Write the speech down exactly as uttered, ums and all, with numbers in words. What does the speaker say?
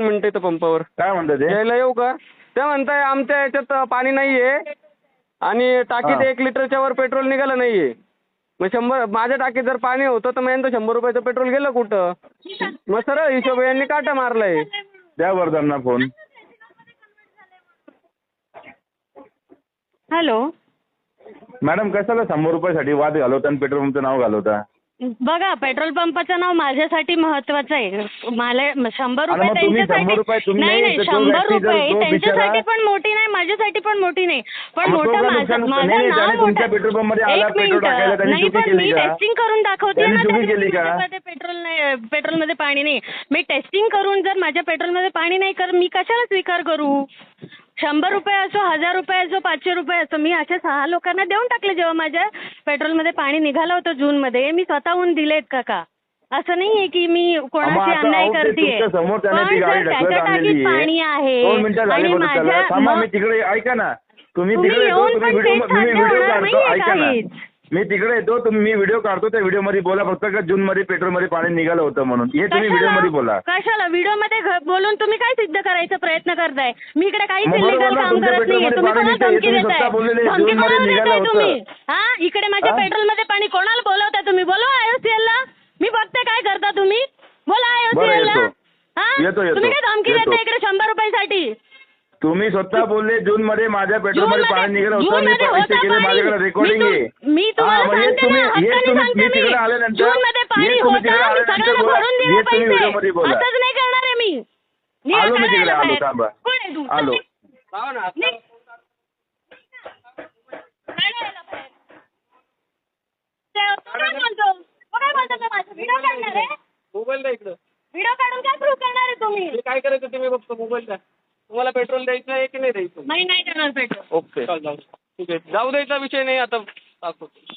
मिनिटं इथं पंपावर. काय म्हणतात ते? यायला येऊ का? ते म्हणताय आमच्या याच्यात पाणी नाहीये आणि टाकीत एक लिटरच्या वर पेट्रोल निघालं नाहीये. मग शंभर माझ्या टाकीत जर पाणी होतं तर मग यांचं शंभर रुपयाचं पेट्रोल गेलं कुठं? मग सरळ हिशोब यांनी काटा मारलाय. द्या बरं त्यांना फोन. हॅलो मॅडम कशाला शंभर रुपयासाठी वाद घालवता आणि पेट्रोल पंपचं नाव घालवता? बघा पेट्रोल पंपाचं नाव माझ्यासाठी महत्वाचं आहे. मला शंभर आणि रुपये मग तुम्ही शंभर त्यांच्यासाठी रुपये तुम्ही नाही नाही नाही तर तो शंभर व्यक्ती जर रुपये तो त्यांच्यासाठी बिचारा- पण मोठी नाही माझ्यासाठी पण मोठी नाही पण मग तो मोठं का माझं नुकसान- माझं नाही, नाही, नाव त्याने तुमच्या मोठं. पेट्रोल पंपमध्ये आला एक पेट्रोल टाकायला मिनिट त्यांनी नाही चुकी पण केली मी का? टेस्टिंग करून दाखवते त्यांनी ना चुकी त्याच्यात केली का? माझ्यामध्ये पेट्रोल नाही पेट्रोलमध्ये पाणी नाही. मी टेस्टिंग करून जर माझ्या पेट्रोलमध्ये पाणी नाही कर मी कशाला स्वीकार करू? शंभर रुपये असो हजार रुपये असो पाचशे रुपये असो मी अशा सहा लोकांना देऊन टाकले जेव्हा माझ्या पेट्रोलमध्ये पाणी निघालं होतं जूनमध्ये मी स्वतःहून दिलेत काका. असं नाहीये की मी कोणाशी अन्याय करतेय समोर त्याने पण ती गाडी जर ढकलत त्याच्या टाकीत आणलेली पाणी आहे दोन मिनिटं झाली आणि बघा माझ्या त्याला. थांबा मग- मी तिकडे ऐका ना तुम्ही तुम्ही तिकडे येतो येऊन तुम्ही पण व्हिडिओ तेच मी साध्य व्हिडिओ होणार काढतो नाहीये ऐका ना काहीच. मी तिकडे येतो तुम्ही मी व्हिडिओ काढतो त्या व्हिडिओ मध्ये बोला फक्त का जून मध्ये पेट्रोल मध्ये पाणी निघालं होतं म्हणून हे तुम्ही व्हिडिओ मध्ये बोला. कशाला व्हिडिओ मध्ये घ- बोलून तुम्ही काय सिद्ध करायचा प्रयत्न करताय? मी इकडे काहीच मग बरोबर इलिगल ना, काम तुमच्या करत नाहीये. पेट्रोलमध्ये तुम्ही पाणी कोणाला निघतंय, धमकी तुम्ही देताय? स्वतः बोललेले धमकी जूनमध्ये कोणाला निघालं देताय होतं. तुम्ही? हा इकडे माझ्या हा? पेट्रोलमध्ये पाणी कोणाला बोलवताय तुम्ही? बोलवा आयओसीएल ला. मी बघते काय करता तुम्ही. बोला आयओसीएल ला. येतो. हा येतो, येतो. तुम्ही काय धमकी येतो. देताय इकडे शंभर रुपयासाठी? तुम्ही स्वतः बोलले जून मध्ये माझ्या पेट्रोल मध्ये जूनमध्ये- पाणी निघालं होतं मी जूनमध्ये पैसे होतं केले पाणी. माझ्याकडे रेकॉर्डिंग मी आहे. तु- मी तुम्हाला हा, मग हे सांगते तुम्ही ना, हे हक्काने तुम्ही सांगते मी मी. तिकडे आल्यानंतर जूनमध्ये पाणी हे तुम्ही होतं तिकडे आणि आल्यानंतर सगळ्यांना बोला. भरून हे दिले तुम्ही व्हिडिओ पैसे. मध्ये बोला. असंच नाही करणार आहे मी. निघा, आलो मी काढा तिकडे याला आलो बाहेर. थांबा कोण आहे तू? आलो. लावा ना. निघ. काढा याला बाहेर. ते- तू काय बोलतो? तू काय बोलतो तो माझा? व्हिडिओ काढणार आहे? मोबाईल द्या इकडं. व्हिडिओ काढून काय प्रूव्ह करणार आहे तुम्ही? मी काय करायचं ते मी बघतो. मोबाईल द्या. तुम्हाला पेट्रोल द्यायचं आहे की नाही द्यायचं? मी नाही करणार पेट्रोल. ओके जाऊ ठीक आहे जाऊ द्यायचा विषय नाही आता दाखवतो.